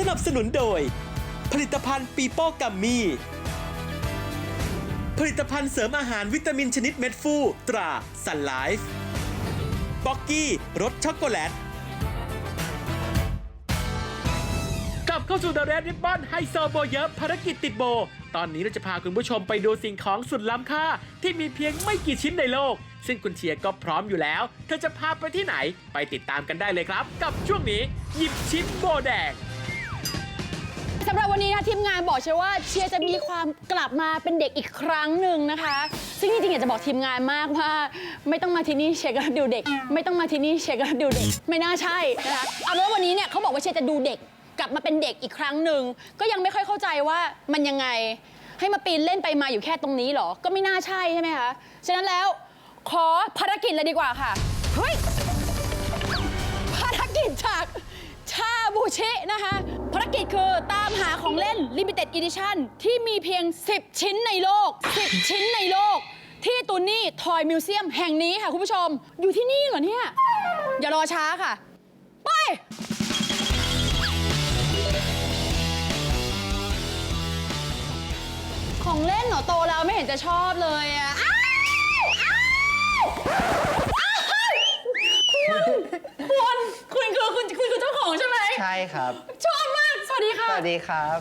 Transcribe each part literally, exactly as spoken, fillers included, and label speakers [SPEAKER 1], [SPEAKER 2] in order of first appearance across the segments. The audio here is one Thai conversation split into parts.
[SPEAKER 1] นับสนุนโดยผลิตภัณฑ์ปีโป้กัมมี่ผลิตภัณฑ์เสริมอาหารวิตามินชนิดเม็ดฟูตราซันไลฟ์บ็อกกี้รสช็อกโกแลตกลับเข้าสู่ The Red Ribbon ไฮโซโบเยอะภารกิจติดโบตอนนี้เราจะพาคุณผู้ชมไปดูสิ่งของสุดล้ำค่าที่มีเพียงไม่กี่ชิ้นในโลกซึ่งคุณเชียร์ก็พร้อมอยู่แล้วเธอจะพาไปที่ไหนไปติดตามกันได้เลยครับ กับช่วงนี้หยิบชิ้นโบแดง
[SPEAKER 2] สำหรับวันนี้นะทีมงานบอกเชียร์ว่าเชียร์จะมีความกลับมาเป็นเด็กอีกครั้งหนึ่งนะคะซึ่งจริงๆอยากจะบอกทีมงานมากว่าไม่ต้องมาที่นี่เชียร์ก็ดูเด็กไม่ต้องมาที่นี่เชียร์ก็ดูเด็กไม่น่าใช่นะคะเอาเป็นว่าวันนี้เนี่ยเขาบอกว่าเชียร์จะดูเด็กกลับมาเป็นเด็กอีกครั้งหนึ่งก็ยังไม่ค่อยเข้าใจว่ามันยังไงให้มาปีนเล่นไปมาอยู่แค่ตรงนี้หรอก็ไม่น่าใช่ใช่ไหมคะฉะนั้นแล้วขอภารกิจเลยดีกว่าค่ะเฮ้ยภารกิจจากชาบูชินะคะภารกิจคือตามหาของเล่น Limited Edition ที่มีเพียงสิบชิ้นในโลกสิบชิ้นในโลกที่ตูนี่ทอยมิวเซียมแห่งนี้ค่ะคุณผู้ชมอยู่ที่นี่เหรอเนี่ยอย่ารอช้าค่ะไปของเล่นเหรอโตแล้วไม่เห็นจะชอบเลยอ่ะอ้าวอ้าวอ้าวคุณคุณคุณคือคุณคุณคือเจ้าของใช่ไหม
[SPEAKER 3] ใช่ครับ
[SPEAKER 2] ชอบมากสวัสดีค่ะ
[SPEAKER 3] สวัสดีครับ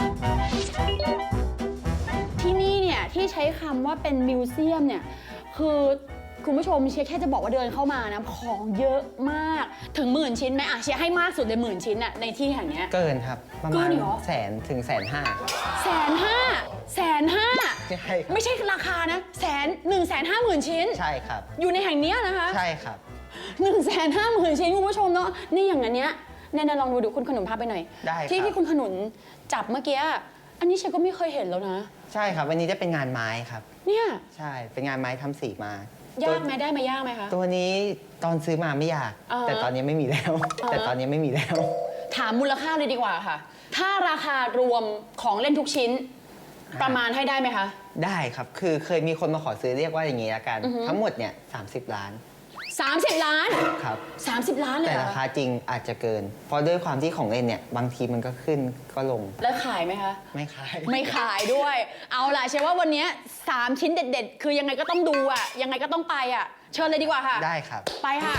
[SPEAKER 2] ที่นี่เนี่ยที่ใช้คำว่าเป็นมิวเซียมเนี่ยคือคุณผู้ชมเชียร์แค่จะบอกว่าเดินเข้ามานะของเยอะมากถึงหมื่นชิ้นไหมอ่ะเชียร์ให้มากสุดเลยหมื่นชิ้นอะในที่แห่งนี้
[SPEAKER 3] เกินครับประมาณแสนถึงแสนห้า
[SPEAKER 2] แสนห้าแสนห้า
[SPEAKER 3] ใช่ครับ
[SPEAKER 2] ไม่ใช่ราคานะแสนหนึ่งแสนห้าหมื่นชิ้น
[SPEAKER 3] ใช่ครับ
[SPEAKER 2] อยู่ในแห่งนี้นะคะ
[SPEAKER 3] ใช่ครับ
[SPEAKER 2] หนึ่งแสนห้าหมื่นชิ้นคุณผู้ชมเนาะนี่อย่างนั้นเนี้ยแน่ๆลองดูดูคุณขนุนพาไปหน่อย
[SPEAKER 3] ได้ครับ
[SPEAKER 2] ที่ที่คุณขนุนจับเมื่อกี้อันนี้เชียร์ก็ไม่เคยเห็นแล้วนะ
[SPEAKER 3] ใช่ครับวันนี้จะเป็นงานไม้ครับ
[SPEAKER 2] เนี่ย
[SPEAKER 3] ใช่เป็นงานไม้ทำสีมาย
[SPEAKER 2] ากไหมได้มายากไหมคะ
[SPEAKER 3] ตัวนี้ตอนซื้อมาไม่ยากแต่ตอนนี้ไม่มีแล้วแต่ตอนนี้ไม่มีแล้ว
[SPEAKER 2] ถามมูลค่าเลยดีกว่าค่ะถ้าราคารวมของเล่นทุกชิ้นประมาณให้ได้ไหมคะ
[SPEAKER 3] ได้ครับคือเคยมีคนมาขอซื้อเรียกว่าอย่างนี้ละกันทั้งหมดเนี่ยสามสิบล้าน
[SPEAKER 2] สามสิบล้าน
[SPEAKER 3] ครับ
[SPEAKER 2] สามสิบล้านเลย
[SPEAKER 3] แต่ราคาจริงอาจจะเกินเพราะด้วยความที่ของเล่นเนี่ยบางทีมันก็ขึ้นก็ลง
[SPEAKER 2] แล้วขายไหมคะ
[SPEAKER 3] ไม่ขาย
[SPEAKER 2] ไม่ขายด้วยเอาล่ะเชื่อว่าวันนี้สามชิ้นเด็ดๆคือยังไงก็ต้องดูอ่ะยังไงก็ต้องไปอ่ะเชิญเลยดีกว่าค่ะ
[SPEAKER 3] ได้ครับ
[SPEAKER 2] ไปค่ะ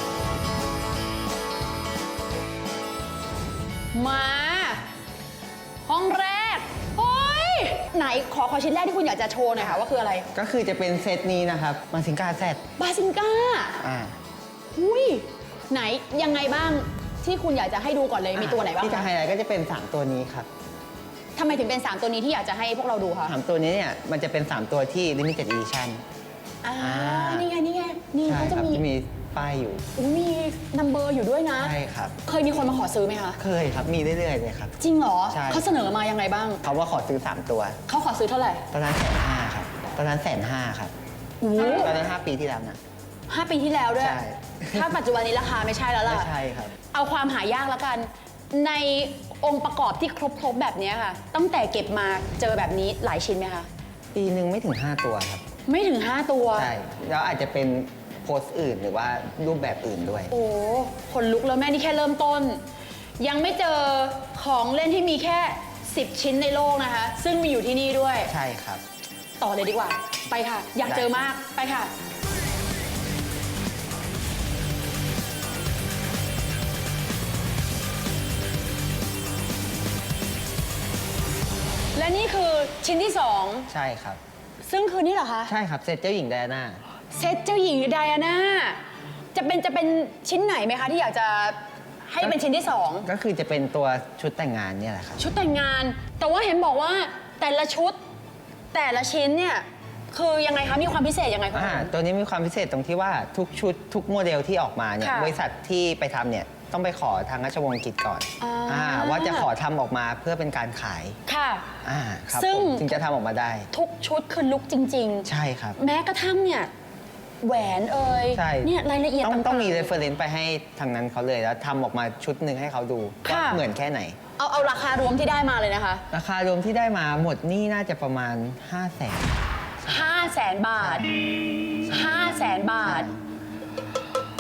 [SPEAKER 2] มาห้องแรกโอ้ยไหนขอขอชิ้นแรกที่คุณอยากจะโชว์หน่อยค่ะว่าคืออะไร
[SPEAKER 3] ก็คือจะเป็นเซตนี้นะครับบาซิงกาแซด
[SPEAKER 2] บาซิงกา
[SPEAKER 3] อ่า
[SPEAKER 2] หุ้ยไหนยังไงบ้างที่คุณอยากจะให้ดูก่อนเลยมีตัวไหนบ้าง
[SPEAKER 3] ที่จะไฮไลท์ก็จะเป็นสามตัวนี้ครับ
[SPEAKER 2] ทำไมถึงเป็นสามตัวนี้ที่อยากจะให้พวกเราดูคะ
[SPEAKER 3] สามตัวนี้เนี่ยมันจะเป็นสามตัวที่ Limited Edition
[SPEAKER 2] อ่านี่ไงนี่ไงนี่เขาจะมี
[SPEAKER 3] มีป้ายอยู่
[SPEAKER 2] มีนัมเบอร์อยู่ด้วยนะ
[SPEAKER 3] ใช่ครับ
[SPEAKER 2] เคยมีคนมาขอซื้อไหมคะ
[SPEAKER 3] เคยครับมีเรื่อยๆเลยครับ
[SPEAKER 2] จริงเหรอ
[SPEAKER 3] ใช่
[SPEAKER 2] เขาเสนอมายังไงบ้าง
[SPEAKER 3] เขาว่าขอซื้อสามตัว
[SPEAKER 2] เขาขอซื้อเท่าไหร่
[SPEAKER 3] ตอนนั้นแสนห้าครับตอนนั้นแสนห้าครับตอนนั้นห้าปีที่แล้วนะ
[SPEAKER 2] ห้าปีที่แล้วด้วย
[SPEAKER 3] ใช่
[SPEAKER 2] ถ้าปัจจุบันนี้ราคาไม่ใช่แล้วล่ะ
[SPEAKER 3] ไม่ใช่ครับ
[SPEAKER 2] เอาความหายากแล้วกันในองค์ประกอบที่ครบๆแบบนี้ค่ะตั้งแต่เก็บมาเจอแบบนี้หลายชิ้นไหมคะ
[SPEAKER 3] ปีหนึ่งไม่ถึงห้าตัวครับ
[SPEAKER 2] ไม่ถึงห้าตัว
[SPEAKER 3] ใช่แล้วอาจจะเป็นโพสต์อื่นหรือว่ารูปแบบอื่นด้วย
[SPEAKER 2] โอ้คนลุกแล้วแม่นี่แค่เริ่มต้นยังไม่เจอของเล่นที่มีแค่สิบชิ้นในโลกนะคะซึ่งมีอยู่ที่นี่ด้วย
[SPEAKER 3] ใช่ครับ
[SPEAKER 2] ต่อเลยดีกว่าไปค่ะอยากเจอมากไปค่ะและนี่คือชิ้นที่สอง
[SPEAKER 3] ใช่ครับ
[SPEAKER 2] ซึ่งคือนี่เหรอคะ
[SPEAKER 3] ใช่ครับเซตเจ้าหญิงไดอาน่า
[SPEAKER 2] เซตเจ้าหญิงไดอาน่าจะเป็นจะเป็นชิ้นไหนไหมคะที่อยากจะให้เป็นชิ้นที่สอง
[SPEAKER 3] ก็คือจะเป็นตัวชุดแต่งงานเนี่ยแหละครับ
[SPEAKER 2] ชุดแต่งงานแต่ว่าเห็นบอกว่าแต่ละชุดแต่ละชิ้นเนี่ยคือยังไงคะมีความพิเศษยังไงคะ
[SPEAKER 3] อ่าตัวนี้มีความพิเศษตรงที่ว่าทุกชุดทุกโมเดลที่ออกมาเนี่ยบริษัทที่ไปทำเนี่ยต้องไปขอทางราชวงศ์อังกฤษก่อนอ่าว่าจะขอทำออกมาเพื่อเป็นการขาย
[SPEAKER 2] ค่ะ
[SPEAKER 3] อ่าครับซึ่งจึงจะทำออกมาได้
[SPEAKER 2] ทุกชุดคือลุคจริง
[SPEAKER 3] ๆใช่ครับ
[SPEAKER 2] แม้กระทั่งเนี่ยแหวนเอ่ยเนี่ยรายละเอียด
[SPEAKER 3] ต้องต้องมี
[SPEAKER 2] reference
[SPEAKER 3] ไปให้ทางนั้นเขาเลยแล้วทำออกมาชุดหนึ่งให้เขาดูว่าเหมือนแค่ไหน
[SPEAKER 2] เอาเอาราคารวมที่ได้มาเลยนะคะ
[SPEAKER 3] ราคารวมที่ได้มาหมดนี่น่าจะประมาณห้าแสน
[SPEAKER 2] ห้าแสนบาทห้าแสนบาท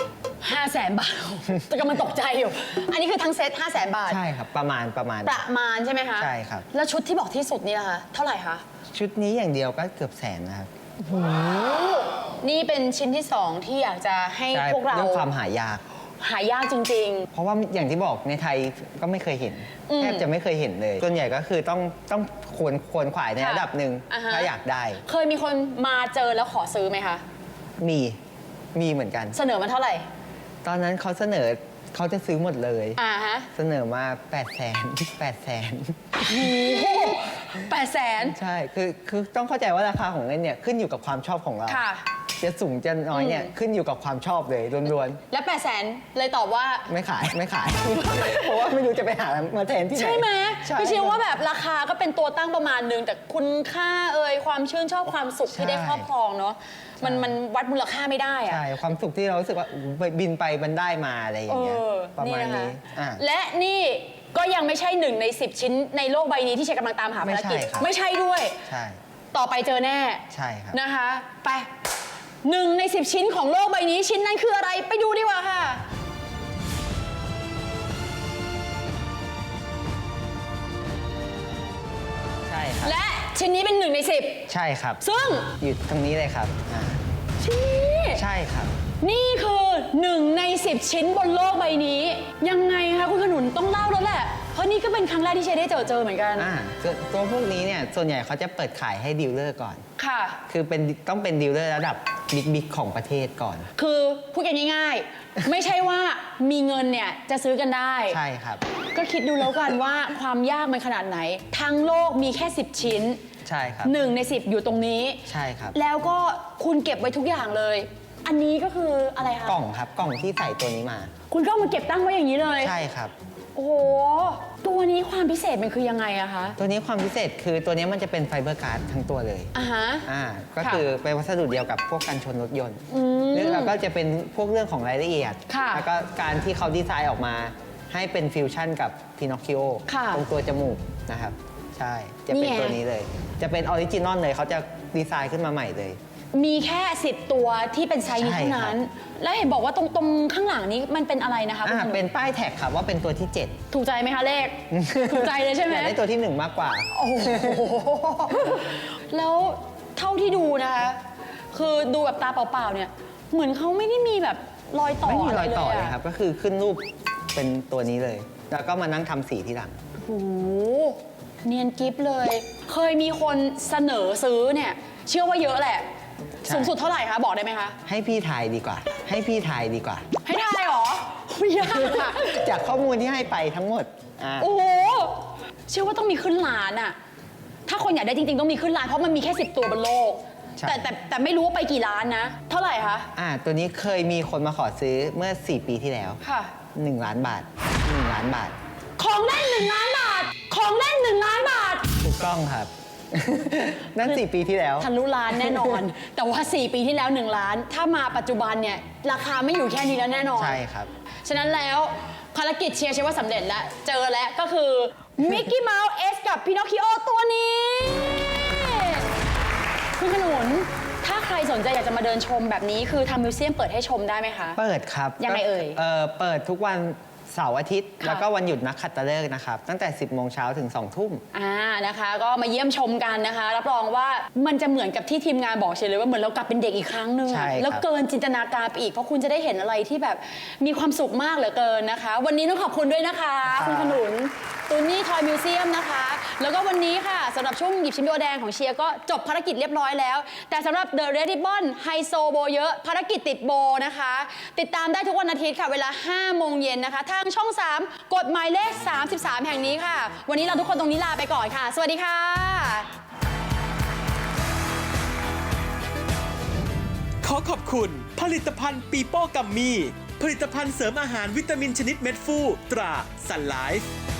[SPEAKER 2] ห้าแสนบาทแต่กำลังตกใจอยู่ อันนี้คือทั้งเซตห้าแสนบาท
[SPEAKER 3] ใช่ครับประมาณประมาณ
[SPEAKER 2] ประมาณใช่ไหมคะ
[SPEAKER 3] ใช่ครับ
[SPEAKER 2] แล้วชุดที่บอกที่สุดนี่ล่ะคะเท่าไหร่คะ
[SPEAKER 3] ชุดนี้อย่างเดียวก็เกือบแสนนะครับ
[SPEAKER 2] นี่เป็นชิ้นที่สองที่อยากจะให้
[SPEAKER 3] ใช่
[SPEAKER 2] พวกเรา
[SPEAKER 3] เรื่องความหายาก
[SPEAKER 2] หายากจริง
[SPEAKER 3] เพราะว่าอย่างที่บอกในไทยก็ไม่เคยเห็น
[SPEAKER 2] อืม
[SPEAKER 3] แทบจะไม่เคยเห็นเลย ส่วนใหญ่ก็คือต้องต้องควรควรขวายใน
[SPEAKER 2] ค่ะ
[SPEAKER 3] ระดับหนึ่ง
[SPEAKER 2] อ่าฮะ
[SPEAKER 3] ถ้าอยากได้
[SPEAKER 2] ๆ เคยมีคนมาเจอแล้วขอซื้อไหมคะ
[SPEAKER 3] มีมีเหมือนกัน
[SPEAKER 2] เสนอมาเท่าไหร่
[SPEAKER 3] ตอนนั้นเขาเสนอเขาจะซื้อหมดเลย
[SPEAKER 2] อ่าฮะ
[SPEAKER 3] เสนอมา8 0 0 0 0 8 0 0 0 0
[SPEAKER 2] โอ้โหแปดแสน
[SPEAKER 3] ใช่คือคือต้องเข้าใจว่าราคาของเงินเนี่ยขึ้นอยู่กับความชอบของเรา
[SPEAKER 2] ค่ะ
[SPEAKER 3] จะสูงจะน้อยเนี่ย
[SPEAKER 2] อืม
[SPEAKER 3] ขึ้นอยู่กับความชอบเลยล้วน
[SPEAKER 2] และแปดแสนเลยตอบว่า
[SPEAKER 3] ๆไม่ขายไม่ขาย เพราะว่าไม่รู้จะไปหามาแทนที่ไหน
[SPEAKER 2] ใช่ไหม
[SPEAKER 3] ใช่
[SPEAKER 2] พี่เชื่อว่าแบบราคาก็เป็นตัวตั้งประมาณนึง แต่คุณค่าเอ่ยความชื่นชอบความสุขที่ได้ครอบครองเนาะมันมันวัดมูลค่าไม่ได้อะ
[SPEAKER 3] ใช่ความสุขที่เรารู้สึกว่าอู้ไปบินไปมันได้มาอะไรอย่างเงี้ย
[SPEAKER 2] เออ
[SPEAKER 3] ประมาณ
[SPEAKER 2] นี่
[SPEAKER 3] นี้
[SPEAKER 2] นะคะ
[SPEAKER 3] อ่ะ
[SPEAKER 2] และนี่ก็ยังไม่ใช่หนึ่งในสิบชิ้นในโลกใบนี้ที่เชยกำลังตามหาภารกิจ
[SPEAKER 3] ไม่ใช่ครับ
[SPEAKER 2] ไม่ใช่ด้วย
[SPEAKER 3] ใช่
[SPEAKER 2] ต่อไปเจอแน่
[SPEAKER 3] ใช่ครับ
[SPEAKER 2] นะคะ ไปหนึ่งในสิบชิ้นของโลกใบนี้ชิ้นนั้นคืออะไรไปดูดีกว่าค่ะ
[SPEAKER 3] ใช่ครับ
[SPEAKER 2] และชิ้นนี้เป็นหนึ่งในสิบ
[SPEAKER 3] ใช่ครับ
[SPEAKER 2] ซึ่ง
[SPEAKER 3] อยู่ตรงนี้เลยครับอ่า
[SPEAKER 2] ชิ้นนี้
[SPEAKER 3] ใช่ครับ
[SPEAKER 2] นี่คือหนึ่งในสิบชิ้นบนโลกใบนี้ ยังไงคะคุณขนุนต้องเล่าแล้วแหละ เพราะนี่ก็เป็นครั้งแรกที่เชยได้เจอเจอเหมือนกัน
[SPEAKER 3] อ่าตัวตัวพวกนี้เนี่ยส่วนใหญ่เขาจะเปิดขายให้ดีลเลอร์ก่อน
[SPEAKER 2] ค่ะ
[SPEAKER 3] คือเป็นต้องเป็นดีลเลอร์ระดับบิ๊กบิ๊กของประเทศก่อน
[SPEAKER 2] คือพูดกันง่ายๆ ไม่ใช่ว่ามีเงินเนี่ยจะซื้อกันได้
[SPEAKER 3] ใช่ครับ
[SPEAKER 2] ก็คิดดูแล้วกันว่าความยากมันขนาดไหน ทั้งโลกมีแค่สิบชิ้น
[SPEAKER 3] ใช่ครับ
[SPEAKER 2] หนึ่งในสิบอยู่ตรงนี้
[SPEAKER 3] ใช่ครับ
[SPEAKER 2] แล้วก็คุณเก็บไว้ทุกอย่างเลย อันนี้ก็คืออะไรคะ
[SPEAKER 3] กล่องครับกล่องที่ใส่ตัวนี้มา
[SPEAKER 2] คุณก็เอามาเก็บตั้งไว้อย่างนี้เลย
[SPEAKER 3] ใช่ครับ
[SPEAKER 2] โอ้โห ตัวนี้ความพิเศษมันคือยังไงอะคะ
[SPEAKER 3] ตัวนี้ความพิเศษคือตัวนี้มันจะเป็นไฟเบอร์การ์ดทั้งตัวเลย
[SPEAKER 2] อ่าฮะ
[SPEAKER 3] อ่าก็
[SPEAKER 2] ค่ะ
[SPEAKER 3] คือเป็นวัสดุเดียวกับพวกกันชนรถยนต์
[SPEAKER 2] อืม
[SPEAKER 3] เรื่องแล้วก็จะเป็นพวกเรื่องของรายละเอียด
[SPEAKER 2] ค่ะ
[SPEAKER 3] แล้วก็การที่เขาดีไซน์ออกมาให้เป็นฟิวชั่นกับพินอคคิโอ
[SPEAKER 2] ค่ะ
[SPEAKER 3] ตรงตัวจมูกนะครับ ใช่ จะเป็น
[SPEAKER 2] นี่ไง
[SPEAKER 3] ตัวนี้เลย จะเป็นออริจินอลเลยเขาจะดีไซน์ขึ้นมาใหม่เลย
[SPEAKER 2] มีแค่สิบตัวที่เป็นไซส์นี้
[SPEAKER 3] ใช่
[SPEAKER 2] เท่า
[SPEAKER 3] ครับ
[SPEAKER 2] นั้น แล้วเห็นบอกว่าตรงตรงข้างหลังนี้มันเป็นอะไรนะคะคุณ
[SPEAKER 3] อ่า
[SPEAKER 2] ขนุน
[SPEAKER 3] เป็นป้ายแท็กครับว่าเป็นตัวที่เจ็ด
[SPEAKER 2] ถูกใจไหมคะเลข ถูกใจเลยใช่ไหม
[SPEAKER 3] อยากได้ตัวที่หนึ่งมากกว่า
[SPEAKER 2] โอ้โห แล้วเท่าที่ดูนะคะ คือดูแบบตาเปล่าๆเนี่ย เหมือนเขาไม่ได้มีแบบรอยต่อ
[SPEAKER 3] ไม่มีรอยต่อ
[SPEAKER 2] อะ
[SPEAKER 3] เลยครับ ก็คือขึ้นรูปเป็นตัวนี้เลย แล้วก็มานั่งทำสีที่หลัง
[SPEAKER 2] โอ้โหเนียนกิฟเลย เคยมีคนเสนอซื้อเนี่ย เชื่อว่าเยอะแหละ
[SPEAKER 3] ใช่
[SPEAKER 2] สูงสุดเท่าไหร่คะบอกได้ไหมคะ
[SPEAKER 3] ให้พี่ทายดีกว่า ให้พี่ทายดีกว่า
[SPEAKER 2] ให้ทายเหรอไม่ยากอะ
[SPEAKER 3] จากข้อมูลที่ให้ไปทั้งหมดอ่า
[SPEAKER 2] โอ้โห เชื่อว่าต้องมีขึ้นล้านอะถ้าคนอยากได้จริงๆต้องมีขึ้นล้านเพราะมันมีแค่สิบตัวบนโลก
[SPEAKER 3] ใช่
[SPEAKER 2] แต่แต่แต่ไม่รู้ว่าไปกี่ล้านนะ เท่าไหร่คะ
[SPEAKER 3] อ่าตัวนี้เคยมีคนมาขอซื้อเมื่อ สี่ ปีที่แล้ว
[SPEAKER 2] ค่ะ
[SPEAKER 3] หนึ่ง ล้านบาท หนึ่ง ล้านบาท
[SPEAKER 2] ของเล่นหนึ่งล้านบาท ของเล่นหนึ่งล้านบาท
[SPEAKER 3] ถูกต้องครับ นั่น สี่ ปีที่แล้ว
[SPEAKER 2] ทะลุล้านแน่นอน แต่ว่า สี่ ปีที่แล้ว หนึ่ง ล้าน ถ้ามาปัจจุบันเนี่ย ราคาไม่อยู่แค่นี้แล้วแน่นอน
[SPEAKER 3] ใช่ครับ
[SPEAKER 2] ฉะนั้นแล้วภารกิจเชียร์เชื่อว่าสำเร็จแล้ว เจอแล้วก็คือมิกกี้เมาส์เอสกับพินอคคิโอตัวนี้ คุณขนุน ถ้าใครสนใจอยากจะมาเดินชมแบบนี้คือทางมิวเซียมเปิดให้ชมได้ไหมคะ
[SPEAKER 3] เปิดครับ
[SPEAKER 2] ยังไงเอ่ย
[SPEAKER 3] เออเปิดทุกวันเสาร์อาทิตย์
[SPEAKER 2] ค่ะ
[SPEAKER 3] แล้วก็วันหยุดนักขัตฤกษ์นะครับ ตั้งแต่ สิบ โมงเช้าถึง สอง ทุ่ม
[SPEAKER 2] อ่านะคะ ก็มาเยี่ยมชมกันนะคะ รับรองว่ามันจะเหมือนกับที่ทีมงานบอกเฉยเลยว่าเหมือนเรากลับเป็นเด็กอีกครั้งหนึ่ง
[SPEAKER 3] ใช่
[SPEAKER 2] อะ
[SPEAKER 3] ครับ
[SPEAKER 2] แล้วเกินจินตนาการไปอีกเพราะคุณจะได้เห็นอะไรที่แบบมีความสุขมากเหลือเกินนะคะ วันนี้ต้องขอบคุณด้วยนะคะ คุณขนุนตูนี่ทอยมิวเซียมนะคะ แล้วก็วันนี้ค่ะสำหรับช่วงหยิบชิ้นโบแดงของเชียร์ก็จบภารกิจเรียบร้อยแล้ว แต่สำหรับ The Red Ribbon ไฮโซโบเยอะภารกิจติดโบนะคะ ติดตามได้ทุกวันอาทิตย์ค่ะเวลา ห้า โมงเย็นนะคะ ทางช่อง สาม กดหมายเลข สามสิบสาม แห่งนี้ค่ะ วันนี้เราทุกคนตรงนี้ลาไปก่อนค่ะ สวัสดีค่ะ
[SPEAKER 1] ขอขอบคุณ ผลิตภัณฑ์ปีโป้กัมมี่ผลิตภัณฑ์เสริมอาหารวิตามินชนิดเม็ดฟูตราซันไลฟ์